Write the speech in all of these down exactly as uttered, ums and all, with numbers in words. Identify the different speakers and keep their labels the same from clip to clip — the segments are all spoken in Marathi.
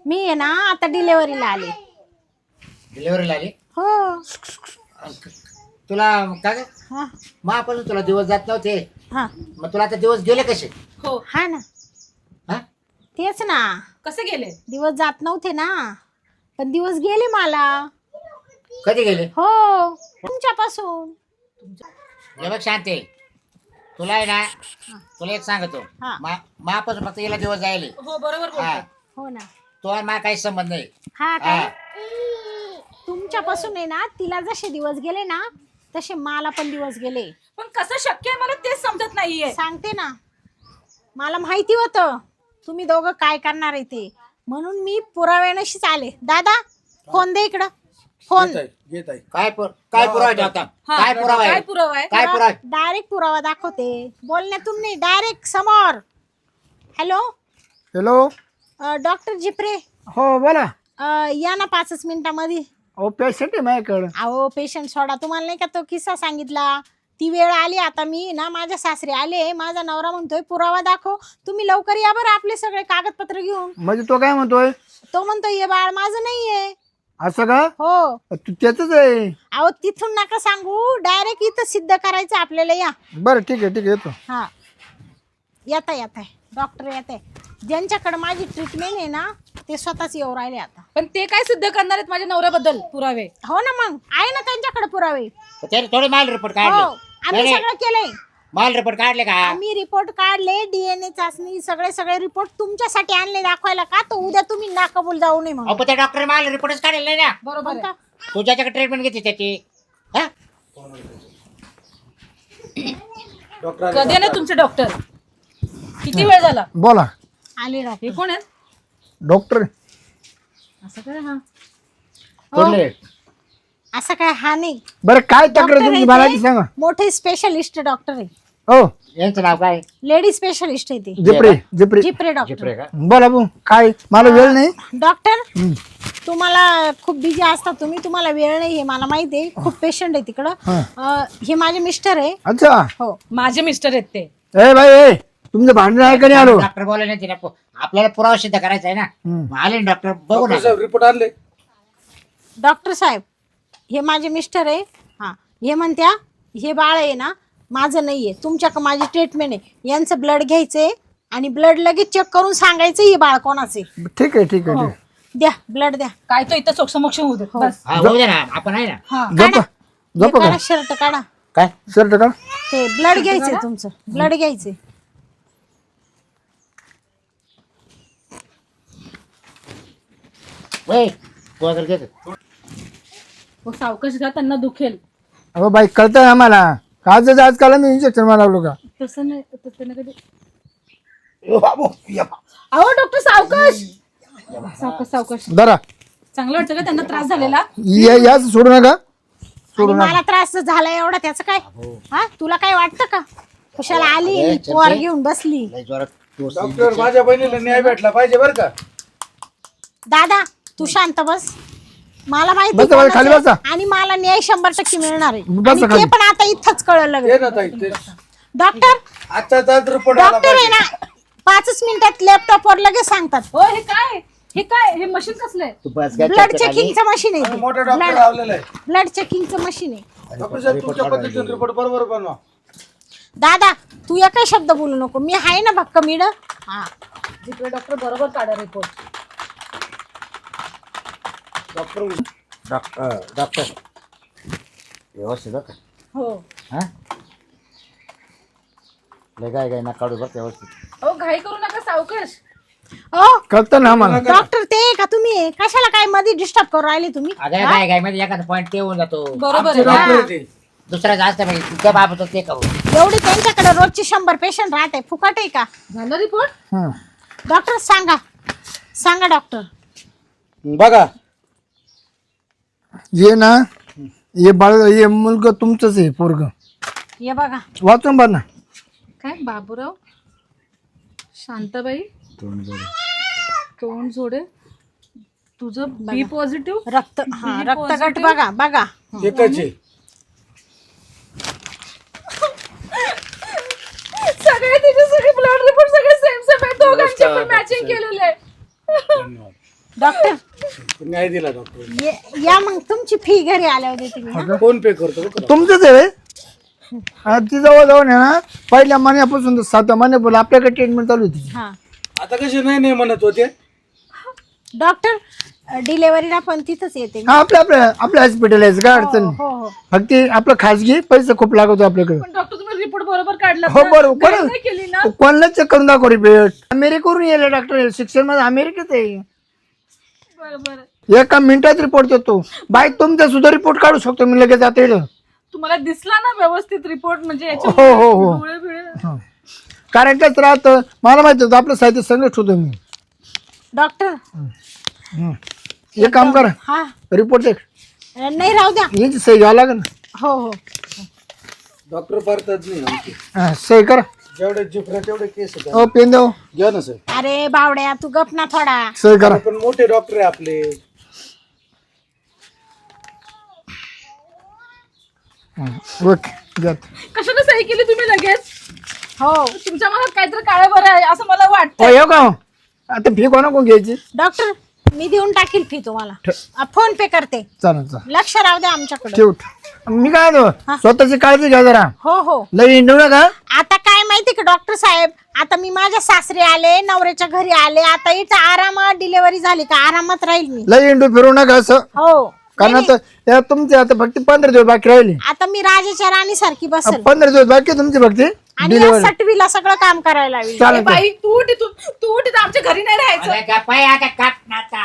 Speaker 1: मी आहे ना आता डिलेव्हरीला आले.
Speaker 2: डिलिव्हरीला आली
Speaker 1: हो.
Speaker 2: तुला काय
Speaker 1: हा
Speaker 2: मग आपण तुला दिवस जात नव्हते
Speaker 1: हा
Speaker 2: मग तुला आता दिवस गेले कसे?
Speaker 3: हो.
Speaker 1: हा ना
Speaker 2: हा
Speaker 1: तेच ना,
Speaker 3: कसे गेले?
Speaker 1: दिवस जात नव्हते ना, पण दिवस गेले मला.
Speaker 2: कधी गेले?
Speaker 1: हो तुमच्यापासून.
Speaker 2: हे बघ शांती, तुला आहे ना तुला एक सांगतो
Speaker 1: हा.
Speaker 2: मापासून फक्त गेला दिवस जायले.
Speaker 3: हो बरोबर
Speaker 2: हा
Speaker 3: बोलताय.
Speaker 1: हो ना.
Speaker 2: तो आणि मला काही संबंध नाही.
Speaker 1: हा काय
Speaker 2: हा.
Speaker 1: तुमच्यापासून आहे ना, तिला जसे दिवस गेले ना तसे मला पण दिवस गेले.
Speaker 3: पण कसं शक्य आहे मला तेच समजत नाहीये.
Speaker 1: सांगते ना, मला माहिती होतं तुम्ही दोघं काय करणार आहे ते, म्हणून मी पुराव्यानशीच आले. दादा फोन दे इकडं. फोन
Speaker 2: काय पुर- काय पुरावा आहे आता?
Speaker 3: हा,
Speaker 2: काय पुरावा
Speaker 3: काय
Speaker 2: आहे?
Speaker 3: पुरावा आहे?
Speaker 2: काय पुरावा आहे?
Speaker 1: डायरेक्ट पुरावा दाखवते, बोलण्यातून नाही, डायरेक्ट समोर. Hello
Speaker 4: hello.
Speaker 1: डॉक्टर जिप्रे,
Speaker 4: हो बोला.
Speaker 1: अ, या ना पाचच मिनिटामध्ये.
Speaker 4: अहो पेशंट आहे माझ्याकडं.
Speaker 1: अहो पेशंट सोडा, तुम्हाला नाही का तो किस्सा सांगितला, ती वेळ आली. आता मी ना माझ्या सासरे आले, माझा नवरा म्हणतोय पुरावा दाखव, तुम्ही लवकर या बरं आपले सगळे कागदपत्र घेऊन.
Speaker 4: म्हणजे तो काय म्हणतोय?
Speaker 1: तो म्हणतोय हे बाळ माझं नाहीये.
Speaker 4: असं का?
Speaker 1: हो.
Speaker 4: तू त्याच आहे.
Speaker 1: अहो तिथून नका सांगू, डायरेक्ट इथं सिद्ध करायचं आपल्याला. या.
Speaker 4: बरं ठीक आहे ठीक आहे येतो.
Speaker 1: हा येता येत डॉक्टर येत आहे. ज्यांच्याकडे माझी ट्रीटमेंट आहे ना ते स्वतःच येऊ राहिले आता.
Speaker 3: पण ते काय सिद्ध करणार आहेत माझ्या नवऱ्याबद्दल पुरावे?
Speaker 1: हो ना, मग आहे ना त्यांच्याकडे पुरावे.
Speaker 2: त्याने थोडे माल रिपोर्ट
Speaker 1: हो
Speaker 2: काढले.
Speaker 1: आम्ही
Speaker 2: नाही,
Speaker 1: सगळं केलंय.
Speaker 2: माल रिपोर्ट काढले का?
Speaker 1: आम्ही रिपोर्ट काढले, डीएनए चाचणी, सगळे सगळे रिपोर्ट तुमच्यासाठी आणले दाखवायला. का तो उद्या तुम्ही नाकबूल जाऊ नये
Speaker 2: अहो
Speaker 1: म्हणून.
Speaker 2: पण त्या डॉक्टर माल रिपोर्टच काढले नाही ना.
Speaker 3: बरोबर आहे.
Speaker 1: कोणता?
Speaker 2: तू ज्याच्याकडे ट्रीटमेंट घेते त्याची. हा
Speaker 3: कधी ना तुमचे डॉक्टर? किती वेळ झाला?
Speaker 4: बोला.
Speaker 1: आले डॉक्टर.
Speaker 3: हे कोण आहेत?
Speaker 4: डॉक्टर.
Speaker 3: असं काय? हा
Speaker 2: कुठले?
Speaker 1: असं काय हा नाही.
Speaker 4: बरं काय तक्रार
Speaker 1: डॉक्टर
Speaker 4: तुमची
Speaker 1: आहे
Speaker 4: मला
Speaker 1: ते,
Speaker 4: ती सांगा.
Speaker 1: मोठे स्पेशलिस्ट डॉक्टर आहे.
Speaker 4: हो
Speaker 2: यांचं नाव काय?
Speaker 1: लेडी स्पेशलिस्ट आहे ते.
Speaker 4: जिप्रे जिप्रे.
Speaker 1: जिप्रे डॉक्टर.
Speaker 2: जिप्रे का?
Speaker 4: बोला भाऊ काय मला वेळ नाही.
Speaker 1: डॉक्टर तुम्हाला खूप बिझी असता तुम्ही, तुम्हाला वेळ नाही हे मला माहिती आहे. खूप पेशंट आहे तिकडं.
Speaker 4: हा.
Speaker 1: अं, हे माझे मिस्टर आहे.
Speaker 4: अच्छा.
Speaker 1: हो
Speaker 3: माझे मिस्टर आहेत ते.
Speaker 4: ए भाई ए तुमचं भांडण आहे का नाही आलो?
Speaker 2: डॉक्टर बोलले नाही तिला. आपल्याला पुरावा सिद्ध करायचा आहे ना.
Speaker 4: हम्म.
Speaker 2: मग आले ना डॉक्टर, बघू ना.
Speaker 5: रिपोर्ट आणले.
Speaker 1: डॉक्टर साहेब हे माझे मिस्टर आहे. हा हे म्हणत्या हे बाळ आहे ना माझं नाहीये, तुमच्याकडे माझी ट्रीटमेंट आहे, यांचं ब्लड घ्यायचंय आणि ब्लड लगेच चेक करून सांगायचं हे बाळ कोणाचे.
Speaker 4: ठीक आहे ठीक आहे ठीक आहे.
Speaker 1: द्या ब्लड द्या.
Speaker 3: काय तो इथं सोक्षमोक्ष होऊ दे बस.
Speaker 2: हा होऊ दे ना, आपण आहे ना.
Speaker 3: हा
Speaker 4: झोपा झोपा का?
Speaker 1: काढा शर्ट काढा.
Speaker 2: काय
Speaker 4: शर्ट का?
Speaker 1: ते ब्लड घ्यायचंय तुमचं, ब्लड घ्यायचंय.
Speaker 2: वय तू अगर घेतो.
Speaker 3: हो, सावकाश घ्या, त्यांना दुखेल.
Speaker 4: अहो बाई कळतंय आम्हाला. काजच आजकाल मी इंजेक्शन मला लागलो का?
Speaker 3: तसं नाही, तसं त्यांना कधी. अहो डॉक्टर सावकाश सावकाश सावकाश.
Speaker 4: जरा
Speaker 3: चांगलं वाटतं का त्यांना त्रास झालेला?
Speaker 4: या- याच सोडू नका.
Speaker 1: आणि मला त्रास झाला एवढा त्याचं काय? हा तुला काय वाटतं का? कुशाला आली
Speaker 2: अरे,
Speaker 1: पोर
Speaker 2: चलते.
Speaker 1: घेऊन बसली.
Speaker 2: लय जोरात तू-
Speaker 5: डॉक्टर माझ्या बहिणीला न्याय भेटला पाहिजे बरं का?
Speaker 1: दादा तू शांत बस. मला माहिती
Speaker 4: बसा बाई, खाली
Speaker 1: कोणाचं
Speaker 4: बसा.
Speaker 1: आहे. आणि मला न्याय शंभर टक्के मिळणार आहे.
Speaker 4: बसा
Speaker 1: आणि ते
Speaker 4: खाली.
Speaker 1: पण आता इथंच कळलं
Speaker 5: ते
Speaker 1: लगेच.
Speaker 5: ना ताई ते
Speaker 1: डॉक्टर
Speaker 5: आजचाच रिपोर्ट आला
Speaker 1: डॉक्टर आहे
Speaker 5: पाहिजे.
Speaker 1: ना पाचच मिनिटात लॅपटॉपवर लगेच सांगतात.
Speaker 3: हो हे काय? हे काय? हे मशीन कसलंय?
Speaker 2: तू बस काय
Speaker 1: ब्लड
Speaker 2: चर्चा खाली.
Speaker 1: चेकिंगचं मशीन
Speaker 5: आणि
Speaker 1: आहे
Speaker 5: मोठा
Speaker 1: ते.
Speaker 5: डॉक्टर लावलेला आहे.
Speaker 1: ब्लड चेकिंगचं मशीन आहे.
Speaker 5: डॉक्टर साहेब तुमच्या पद्धतीने रिपोर्ट बरोबर बनवा.
Speaker 1: दादा तू एकही शब्द बोलू नको, मी आहे ना भक्क मिड. हा
Speaker 3: जिकडे डॉक्टर बरोबर काढा रिपोर्ट.
Speaker 5: डॉक्टर
Speaker 2: डॉक्टर डॉक्टर व्यवस्थित बघ.
Speaker 3: हो.
Speaker 2: हा लय काय काय ना काढू बघ व्यवस्थित.
Speaker 3: अहो घाई करू नका, सावकाश.
Speaker 1: ओ
Speaker 4: कळतं ना आम्हाला.
Speaker 1: डॉक्टर ते का तुम्ही आहे? कशाला काय मध्ये डिस्टर्ब करू राहिले तुम्ही?
Speaker 2: अगं काय काय मध्ये एखादा पॉईंट ते होऊन जातो.
Speaker 3: बरोबर आहे.
Speaker 5: डॉक्टर आहे ते.
Speaker 2: दुसरा जास्त म्हणजे तुझ्या बाबत ते करू.
Speaker 1: एवढी त्यांच्याकडे रोजची शंभर पेशंट राहते, फुकट आहे का?
Speaker 3: झालं रिपोर्ट?
Speaker 4: हं.
Speaker 1: डॉक्टर सांगा सांगा डॉक्टर.
Speaker 5: बघा
Speaker 4: ये ना ये बाळ ये मुलगा तुमचंच आहे पोरग.
Speaker 1: हे बघा
Speaker 4: वाचून बघ ना.
Speaker 3: काय बाबूराव शांताबाई तोंड जोडे तुझं बी पॉझिटिव्ह.
Speaker 1: रक्त हा रक्तगट बघा बघा.
Speaker 5: एकच आहे.
Speaker 3: सगळे तिचे सगळे ब्लड रिपोर्ट सगळे सेम सेम आहे, दोघांचे पण मॅचिंग केलेले आहे.
Speaker 1: डॉक्टर
Speaker 5: नाही दिला डॉक्टर.
Speaker 1: ये- या मग तुमची फी घरी आल्यावर देते मी हा?
Speaker 5: फोन पे करतो बरं का?
Speaker 4: तुमचंच आहे रे? हा, ती जवळ जाऊन आहे ना पहिल्या महिन्यापासून तर सातव्या महिन्यापासून आपल्याकडे ट्रीटमेंट चालू होती.
Speaker 1: हा
Speaker 5: आता कसे नाही नाही म्हणत होते.
Speaker 1: डॉक्टर डिलेव्हरीला पण तिथंच येते मी.
Speaker 4: हा आपल्या आपल्या आपल्या हॉस्पिटल आहे काय अडचण नाही.
Speaker 1: हो हो
Speaker 4: फक्त आपलं खाजगी पैसे खूप लागतो आपल्याकडे.
Speaker 3: पण डॉक्टर तुम्ही रिपोर्ट बरोबर काढला
Speaker 4: हो बरोबर
Speaker 3: नाही केली ना
Speaker 4: कोणाला चेक करून दाखव रिपोर्ट. अमेरिकेवरून येले डॉक्टर शिक्षण मध्ये अमेरिकेत आहे.
Speaker 3: बरं बरं
Speaker 4: एका मिनिटात रिपोर्ट देतो. बाईक तुमचा सुद्धा रिपोर्ट काढू शकतो मी लगेच आता येईल.
Speaker 3: तुम्हाला दिसला ना व्यवस्थित रिपोर्ट म्हणजे याच्या
Speaker 4: हो हो हो
Speaker 3: डोळे बिळे
Speaker 4: कारण कसं राहतं मला माहिती होतं आपलं साहित्य संघट होतो मी.
Speaker 1: डॉक्टर
Speaker 4: हं. एक काम करा
Speaker 1: हा
Speaker 4: रिपोर्ट एक
Speaker 1: नाही राहू द्या
Speaker 4: याची सही घ्यावं लागेल ना.
Speaker 1: हो हो
Speaker 5: डॉक्टर पारतात नाही आमचे.
Speaker 4: हा, सही करा.
Speaker 5: जेवढे जिफरा तेवढे केस आहेत.
Speaker 4: हो पेन देऊ
Speaker 5: घ्या ना सर.
Speaker 1: अरे बावड्या तू गप ना थोडा.
Speaker 4: सही करा.
Speaker 5: पण मोठे डॉक्टर आहे आपले.
Speaker 4: ओके घ्या.
Speaker 3: कशाने सही केली तुम्ही लगेच
Speaker 1: हो
Speaker 3: तुमच्या मनात काहीतरी काळं बरं आहे असं मला वाटतं
Speaker 4: हो येऊ का आता फी कोणा कोण घ्यायची.
Speaker 1: डॉक्टर मी देऊन टाकील फी तुम्हाला फोन पे करते.
Speaker 4: चालेल चालेल
Speaker 1: लक्ष राहू द्या आमच्याकडे.
Speaker 4: ठेव. मी काय म्हणतो, स्वतःची काळजी घ्या जरा.
Speaker 1: हो हो
Speaker 4: लई इंडू नका.
Speaker 1: आता काय माहिती का डॉक्टर साहेब आता मी माझ्या सासरे आले नवऱ्याच्या घरी आले आता इथं आरामात डिलिव्हरी झाली का आरामात राहील मी.
Speaker 4: लई इंडू फिरू नका असं.
Speaker 1: हो
Speaker 4: कारण आता या तुमचे आता फक्त पंधरा दिवस बाकी राहिले.
Speaker 1: आता मी राजाच्या राणी सारखी बसेल
Speaker 4: पंधरा दिवस बाकी तुमची फक्त
Speaker 1: आणि या सटवीला सगळं काम करायला लावेल.
Speaker 4: चालेल
Speaker 3: बाई तू उठ इथून तू उठ इथं आमच्या घरी नाही राहायचं
Speaker 2: अरे गप्पाय आता काप नाता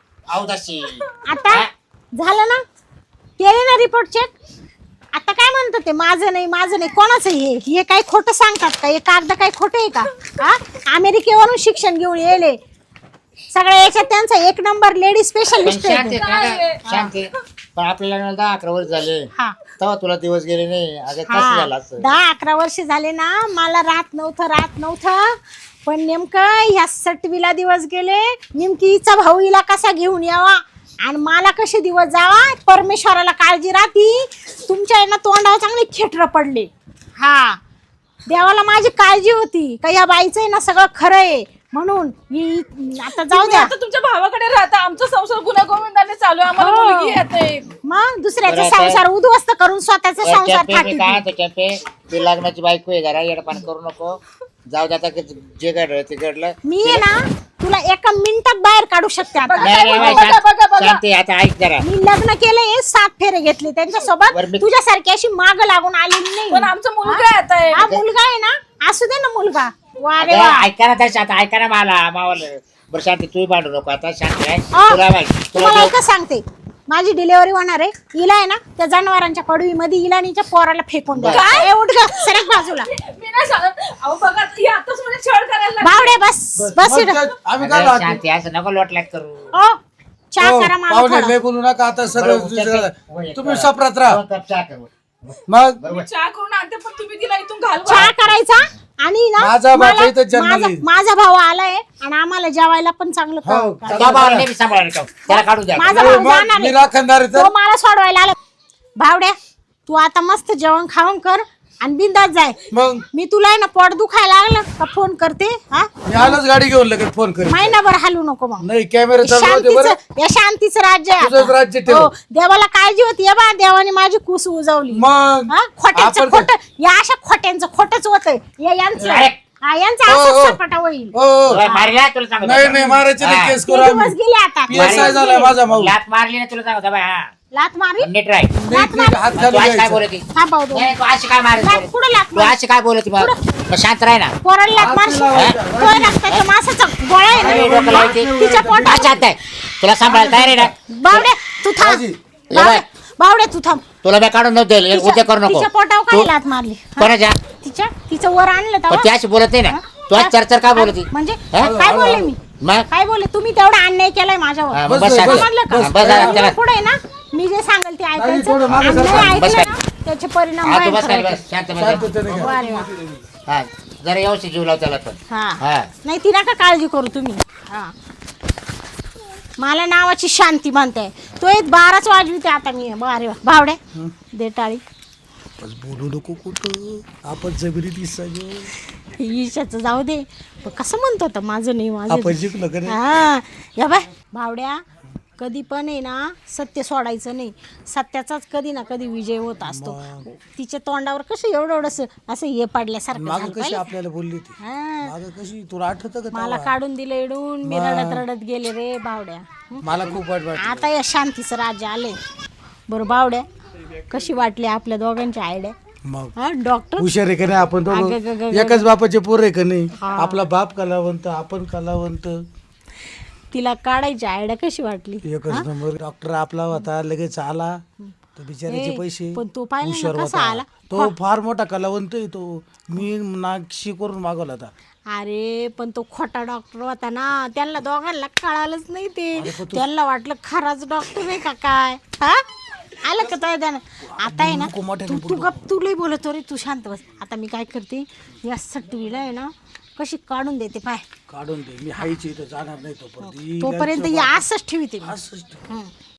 Speaker 2: औदाशी.
Speaker 1: आता झालं ना केले ना रिपोर्ट चेक. आता काय म्हणतो ते माझं नाही माझं नाही कोणाचं हे हे काय खोटं सांगतात का हे कागद काय खोटं आहे का हा अमेरिकेवरून शिक्षण घेऊन येले सगळ्या याच्यात त्यांचा एक नंबर लेडी स्पेशलिस्ट
Speaker 2: शांत
Speaker 1: आहे.
Speaker 2: आहे, शांत आहे. पण आपल्याला दहा अकरा वर्ष झाले
Speaker 1: हा
Speaker 2: तेव्हा तुला दिवस गेले नाही. अगं कसं
Speaker 1: हा
Speaker 2: झालं असं.
Speaker 1: दहा अकरा वर्ष झाले ना मला राहत नव्हतं राहत नव्हतं पण नेमकं ह्या सटवीला दिवस गेले नेमकी हिचा भाऊ हिला कसा घेऊन यावा आणि मला कसे दिवस जावा परमेश्वराला काळजी राहती. तुमच्या ना तोंडावर चांगले खेटर पडले. हा देवाला माझी काळजी होती का या बाईचं आहे ना सगळं खरं आहे म्हणून ही आता जाऊ
Speaker 3: तुम्ही
Speaker 1: द्या.
Speaker 3: आता तुमच्या भावाकडे राहता आमचा संसार गुन्हा गोविंदाने चालू आहे आम्हाला
Speaker 1: हो.
Speaker 3: मुलगी येते
Speaker 1: मग दुसऱ्याचा
Speaker 2: बरं, आता-
Speaker 1: संसार उद्ध्वस्त करून स्वतःचा
Speaker 2: ए,
Speaker 1: संसार
Speaker 2: कॅपे, मी
Speaker 1: थाटी.
Speaker 2: काय म्हणतो कॅपे ती लग्नाची बायको आहे जरा येडपान करू नको. जाऊ दे आता जे घडलं ते घडलं.
Speaker 1: मी आहे ना तुला एका मिनिटात बाहेर काढू शकते आता.
Speaker 2: नाही, नाही, नाही,
Speaker 3: बघा,
Speaker 2: शांत-
Speaker 3: बघा, बघा.
Speaker 2: शांत आहे, आता ऐक जरा.
Speaker 1: मी लग्न केलंय सात फेरे घेतले त्यांच्यासोबत
Speaker 2: बरं, मी-
Speaker 1: तुझ्यासारखी अशी माग लागून आलेली नाही.
Speaker 3: पण आमचा मुलगा येत आहे
Speaker 1: हा मुलगा आहे ना असू दे ना मुलगा. वा रे
Speaker 2: अगं,
Speaker 1: वा.
Speaker 2: ऐका ना तरी आता ऐका ना मला मावाला. बरं शांती तू भांडू नको आता शांत आहे.
Speaker 1: अ,
Speaker 2: तुला माहिती तुला
Speaker 1: तुम्हाला
Speaker 2: देव-
Speaker 1: एकच सांगते माझी डिलिव्हरी होणार आहे हिला आहे ना त्या जनावरांच्या पडवीमध्ये इलानीच्या पोराला फेकून द्या.
Speaker 3: काय?
Speaker 1: ए, उठ ग सरक बाजूला.
Speaker 3: मी नाही सांगत अहो बघा ही आताच म्हणजे छळ करायला लागली.
Speaker 1: बावडे बस बस
Speaker 5: मग
Speaker 1: इकडं.
Speaker 5: काय, आम्ही काय
Speaker 2: अगं,
Speaker 5: राहतो?
Speaker 2: शांती असं नको लोटलाट करू.
Speaker 1: ओ चहा
Speaker 5: हो,
Speaker 1: करा मला
Speaker 5: पाहुणे
Speaker 1: थोडा.
Speaker 5: लय बोलू नका आता सगळं
Speaker 2: बरं,
Speaker 5: दुसरं-
Speaker 2: उद्या-
Speaker 5: तुम्ही सपरात राहा.
Speaker 2: दोन कप चहा कर.
Speaker 5: मग
Speaker 3: मी चहा करून आणते पण तुम्ही तिला इथून घालवा
Speaker 1: चहा करायचा आणि ना
Speaker 5: माझा बाप
Speaker 1: मला-
Speaker 5: इथं जन्माला
Speaker 1: माझा-
Speaker 5: येईल.
Speaker 1: माझा भाऊ आलाय आणि आम्हाला जेवायला पण चांगलं
Speaker 5: हो,
Speaker 1: करा.
Speaker 2: त्या भावाला नाही मी सांभाळणार का? त्याला काढू द्या.
Speaker 1: माझा
Speaker 5: हो,
Speaker 1: भाऊ
Speaker 5: मग
Speaker 1: जाणार
Speaker 5: मी
Speaker 1: आहे.
Speaker 5: राखणदार आहे
Speaker 1: तो
Speaker 5: तर.
Speaker 1: मला सोडवायला आला. भावड्या तू आता मस्त जेवण खावण कर आणि बिंदात जाय.
Speaker 5: मग
Speaker 1: मी तुला आहे ना पोट दुखायला लागलं का फोन करते हा
Speaker 5: मी आलोच गाडी घेऊन लगेच फोन करेन.
Speaker 1: महिनाभर हलू नको मग.
Speaker 5: नाही कॅमेरा चालू होते बरं.
Speaker 1: शांतीचं या शांतीचं राज्य आहे
Speaker 5: तुझंच
Speaker 1: आता.
Speaker 5: राज्य ठेव.
Speaker 1: हो, देवाला काळजी होती या बा देवाने माझी कुस उजवली.
Speaker 5: मग
Speaker 1: हा, खोट्यांचं
Speaker 5: आपण
Speaker 1: खोट या अशा खोट्यांचं खोटच होत यांचं
Speaker 2: अरे.
Speaker 1: हा, यांचं
Speaker 5: हो, हो.
Speaker 1: असं सपाटा होईल.
Speaker 5: हो, हो.
Speaker 2: तुला मारला तुला सांगतो.
Speaker 5: नाही नाही मारायचे नाही,
Speaker 2: हा.
Speaker 5: केस
Speaker 1: ते
Speaker 5: करू
Speaker 1: दिवस
Speaker 5: आम्ही.
Speaker 1: गेले आता
Speaker 5: पी एस आय झालाय माझा भाऊ.
Speaker 2: लात मारली ना तुला सांगतो बाई, हा.
Speaker 1: लात मारी
Speaker 2: नीट राह.
Speaker 5: नीट नीट हात
Speaker 2: तू
Speaker 5: खाली
Speaker 2: अशी काय
Speaker 5: घ्यायचा.
Speaker 2: बोलती?
Speaker 1: हा भाऊ दोन.
Speaker 2: नाही, तू अशी काय मारत
Speaker 1: लात
Speaker 2: बोलत?
Speaker 1: कुठं लात
Speaker 2: तू
Speaker 1: मार
Speaker 2: अशी काय बोलती मग? मग शांत राह ना.
Speaker 1: पोराला लात मारशील तो रक्ताच्या मासाचा गोळा आहे
Speaker 2: अरे,
Speaker 1: ना
Speaker 2: डोकं लावते.
Speaker 1: तिच्या
Speaker 2: हा,
Speaker 1: पोटात
Speaker 2: शांत आहे. तुला सांभाळायला तयार आहे ना?
Speaker 1: बावड्या तू थांब
Speaker 5: राजी.
Speaker 1: बावड्या बावड्या तू थांब
Speaker 2: तुला मी काढून नव्हतं दिलं.
Speaker 1: तिच्या-
Speaker 2: उद्या करू नको.
Speaker 1: तिच्या पोटावर काय
Speaker 2: तू-
Speaker 1: लात मारली हा?
Speaker 2: कोणाच्या?
Speaker 1: तिच्या तिचं वर आणलं
Speaker 2: पण
Speaker 1: तेव्हा?
Speaker 2: ती अशी बोलत नाही ना. तू आज चरचर काय बोलती?
Speaker 1: म्हणजे
Speaker 2: हा?
Speaker 1: काय बोलले मी
Speaker 2: मग
Speaker 1: काय बोलले तुम्ही तेवढा अन्याय केलाय माझ्यावर
Speaker 2: हा,
Speaker 5: बस,
Speaker 2: बस शांत.
Speaker 5: बस,
Speaker 1: समजलं
Speaker 2: हा, बस झालं, चला.
Speaker 1: का पुढे ना मी जे सांगेल ते ऐकायचं
Speaker 5: थोडं मागं
Speaker 1: आणि
Speaker 5: सरका.
Speaker 1: नाही
Speaker 2: बस
Speaker 1: ऐकलं
Speaker 2: काय.
Speaker 1: ना त्याचे परिणाम
Speaker 2: हा, तू बस
Speaker 1: भयंकर
Speaker 2: खाली
Speaker 1: आहेत.
Speaker 2: बस. शांत बस.
Speaker 5: शांततेने घ्या.
Speaker 1: वा रे वा.
Speaker 2: हा जरा व्यवस्थित जीव लाव त्याला पण.
Speaker 1: हा
Speaker 2: हा.
Speaker 1: नाही ती नका काळजी करू तुम्ही हा मला नावाची शांती म्हणताय तो एक बाराच वाजविते आता मी बारे वा भावड्या दे टाळी
Speaker 5: बस बोलू नको कुठं आपण जबरी दिसायचो.
Speaker 1: ईशाचं जाऊ दे पण कसं म्हणतो आता माझं नाही माझं
Speaker 5: आपण जिंकलो का नाही?
Speaker 1: हा या बाय भावड्या कधी पण आहे ना सत्य सोडायचं नाही. सत्याचाच कधी ना कधी विजय होत असतो. तिच्या तोंडावर कसं एवढं एवढंसं असं हे पडल्यासारखं
Speaker 5: माग
Speaker 1: झालं
Speaker 5: कशी
Speaker 1: पाहिजे.
Speaker 5: आपल्याला बोलली ती
Speaker 1: हा.
Speaker 5: माग कशी तुला आठवतं का
Speaker 1: मला
Speaker 5: तेव्हा?
Speaker 1: काढून दिलं इडून मी रडत रडत गेले रे बावड्या.
Speaker 5: मला खूप वाईट वाटलं.
Speaker 1: आता या शांतीचं राज्य आले. बरं बावड्या कशी वाटली आपल्या दोघांची आयडिया?
Speaker 5: मग
Speaker 1: हा डॉक्टर
Speaker 5: हुशार आहे का नाही आपण
Speaker 1: अगं,
Speaker 5: दोघं
Speaker 1: गं, गं,
Speaker 5: एकाच बापाचे पोर आहे का नाही?
Speaker 1: हा.
Speaker 5: आपला बाप कलावंत आपण कलावंत.
Speaker 1: तिला काढायची आयडिया कशी वाटली?
Speaker 5: एकच नंबर. डॉक्टर आपला होता लगेच आला तो बिचाराचे
Speaker 1: ए,
Speaker 5: पैसे
Speaker 1: पण तो पाहिला ना
Speaker 5: हुशार
Speaker 1: कसा
Speaker 5: होता.
Speaker 1: आला?
Speaker 5: तो फार मोठा कलावंत आहे तो. मी नागशी करून मागवला होता.
Speaker 1: अरे पण तो खोटा डॉक्टर होता ना. त्यांना दोघांना कळालंच नाही ते. त्यांना वाटलं खराच डॉक्टर आहे का काय. हा आलं का तो त्यानं आता आहे ना
Speaker 5: नको मोठ्याने
Speaker 1: तू तू गप तू लई बोलतो रे. तू शांत बस. आता मी काय करते या सटवीला आहे ना कशी काढून देते पाय.
Speaker 5: काढून दे. मी हायची इथं जाणार नाही तोपर्यंत.
Speaker 1: तोपर्यंत या असंच ठेवते मी.
Speaker 5: असंच ठेव.
Speaker 1: हं.